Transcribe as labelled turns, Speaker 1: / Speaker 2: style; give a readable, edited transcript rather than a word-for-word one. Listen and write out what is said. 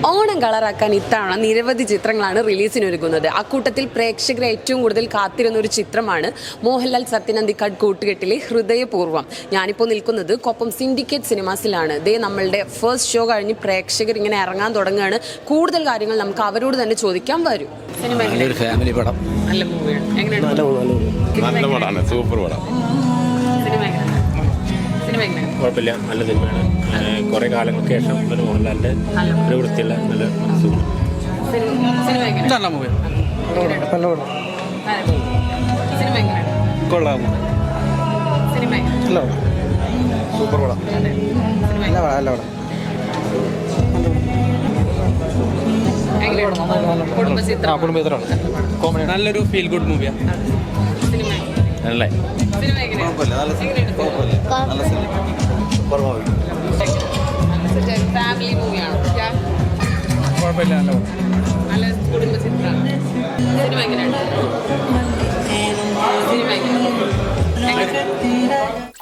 Speaker 1: ഓണം കളറാക്കാൻ ഇത്തവണ നിരവധി ചിത്രങ്ങളാണ് റിലീസിനൊരുങ്ങുന്നത്. അക്കൂട്ടത്തിൽ പ്രേക്ഷകർ ഏറ്റവും കൂടുതൽ കാത്തിരുന്ന ഒരു ചിത്രമാണ് മോഹൻലാൽ സത്യനന്ദിക്കാട് കൂട്ടുകെട്ടിലെ ഹൃദയപൂർവ്വം. ഞാനിപ്പോൾ നിൽക്കുന്നത് കൊപ്പം സിൻഡിക്കേറ്റ് സിനിമാസിലാണ്. ദേ നമ്മളുടെ ഫസ്റ്റ് ഷോ കഴിഞ്ഞ് പ്രേക്ഷകർ ഇങ്ങനെ ഇറങ്ങാൻ തുടങ്ങുകയാണ്. കൂടുതൽ കാര്യങ്ങൾ നമുക്ക് അവരോട് തന്നെ ചോദിക്കാൻ വരും.
Speaker 2: ഫാമിലി പടം,
Speaker 1: നല്ല മൂവിയാണ്. എങ്ങനെയാണ്?
Speaker 3: നല്ല പടമാണ്, സൂപ്പർ പടം.
Speaker 4: കുഴപ്പമില്ല, നല്ല സിനിമയാണ്. കുറേ കാലങ്ങൾക്ക് ശേഷം ഒരു മോഹൻലാലിൻ്റെ ഒരു വൃത്തിയുള്ള നല്ല മനസ്സുമാണ്.
Speaker 2: നല്ല മൂവി,
Speaker 4: കൊള്ളാം,
Speaker 2: സൂപ്പർ പടം,
Speaker 4: നല്ല പടം.
Speaker 1: കുടുംബചിത്രം,
Speaker 2: നല്ലൊരു ഫീൽ ഗുഡ് മൂവിയാണ്.
Speaker 4: നല്ല
Speaker 1: ഫാമിലി മൂവിയാണ്.
Speaker 2: കുഴപ്പമില്ല,
Speaker 1: നല്ല കുടുംബചിത്രമാണ്. സിനിമ എങ്ങനെയാണ്?